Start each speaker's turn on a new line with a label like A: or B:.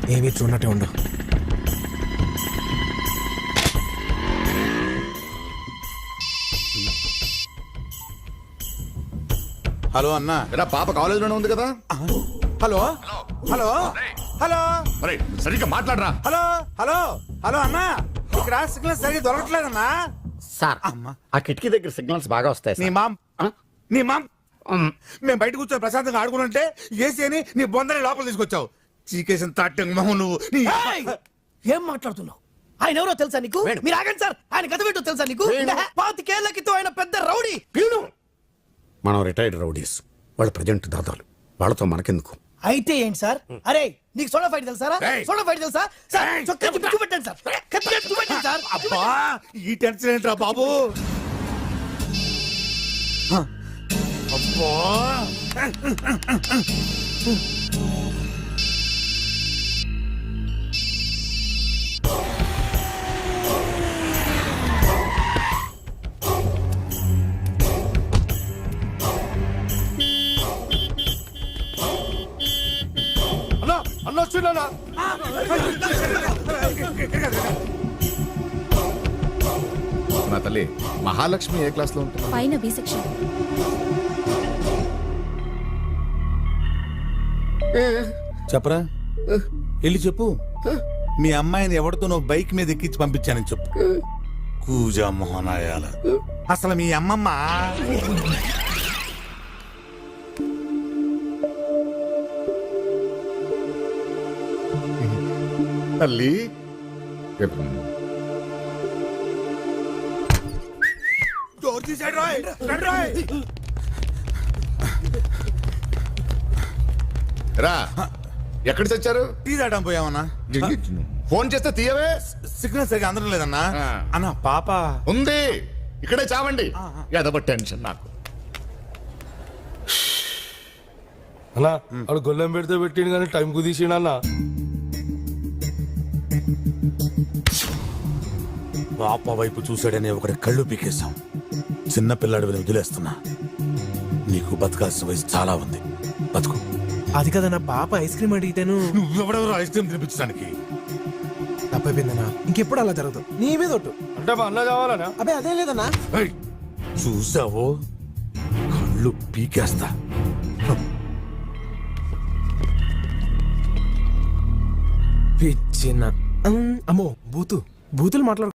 A: ఏమీ చూడనట్టే ఉండు.
B: హలో అన్నా.
C: ఎరా పాప కాలేజీలోనే ఉంది కదా.
B: హలో హలో హలో
C: అరే సరిగ్గా మాట్లాడరా.
B: హలో హలో హలో అన్నా, ఇక్కడ సిగ్నల్ సరిగ్గా దొరకట్లేదన్నా.
D: సార్ ఆ కిటికీ దగ్గర సిగ్నల్స్ బాగా వస్తాయి
B: నీ
D: సార్.
B: మామ్ నీ మామ్ మేము బయట కూర్చొని ప్రశాంతంగా ఆడుకుంటుంటే ఏసీ అని నీ బొందని లోపల తీసుకొచ్చావు. చీకేసిన తాటంగ్ మొహం నువ్వు.
E: ఏం మాట్లాడుతున్నావు? ఆయన ఎవరో తెలుసా నీకు? మీరు ఆగండి సార్, ఆయన గత ఏంటో తెలుసా నీకు? 25 ఏళ్ల క్రితం ఆయన పెద్ద రౌడీ.
D: మనం రిటైర్డ్ రౌడీస్, వాళ్ళు ప్రజెంట్ దాదాలు, వాళ్ళతో మనకెందుకు?
E: అయితే ఏంటి సార్? అరే నీకు సోడా ఫైట్ తెలుసా? సోడా ఫైట్ తెలుసా సార్? చొక్కా చుట్టూ పెట్టండి సార్, కత్తిగా చూపెట్టండి సార్.
B: అబ్బా ఈ టెన్షన్ ఏంట్రా బాబు. అబ్బా
C: అన్న వచ్చిందా? నా తల్లి మహాలక్ష్మి ఏ క్లాస్ లో ఉంటుంది?
F: పైన బి సెక్షన్.
B: చెప్పరా, వెళ్ళి చెప్పు. మీ అమ్మాయిని ఎవరితో నువ్వు బైక్ మీద ఎక్కించి పంపించానని చెప్పు. కూజా మోహనాయాల. అసలు మీ అమ్మమ్మ
C: తల్లి
B: డోర్ తీసాడు రాయ్. రండి రాయ్.
C: రా ఎక్కడ చచ్చారు?
B: టీ తాగడం పోయామన్నా.
C: ఫోన్ చేస్తే తీయవే.
B: సిగ్నల్ సరిగా అందడం లేదన్నా. అన్న పాప
C: ఉంది ఇక్కడే చావండి. ఏదో టెన్షన్ నాకు.
G: అన్నా అడు గొల్లెం పెడితే పెట్టిండు కానీ టైం కుదిసిండు అన్న.
B: పాప వైపు చూశాడనే ఒకటి కళ్ళు పీకేశాం. చిన్న పిల్లాడి వదిలేస్తున్నా. నీకు బతకాల్సిన వయసు చాలా ఉంది, బతుకు.
A: అది కదన్నా, పాప ఐస్ క్రీమ్ అడిగితేను.
B: నువ్వెవడెవరో ఐస్ క్రీమ్ తినిపించడానికి.
A: తప్పైపోయిందన్నా, ఇంకెప్పుడు అలా జరగదు. నీ మీద ఒట్టు.
G: అంటే మా అన్న కావాలనా?
A: అబ్బే అదేం లేదన్నా.
B: ఏయ్, చూసావో కళ్ళు పీకేస్తా.
A: పిచ్చిన అమ్మో బూతులు మాట్లాడు.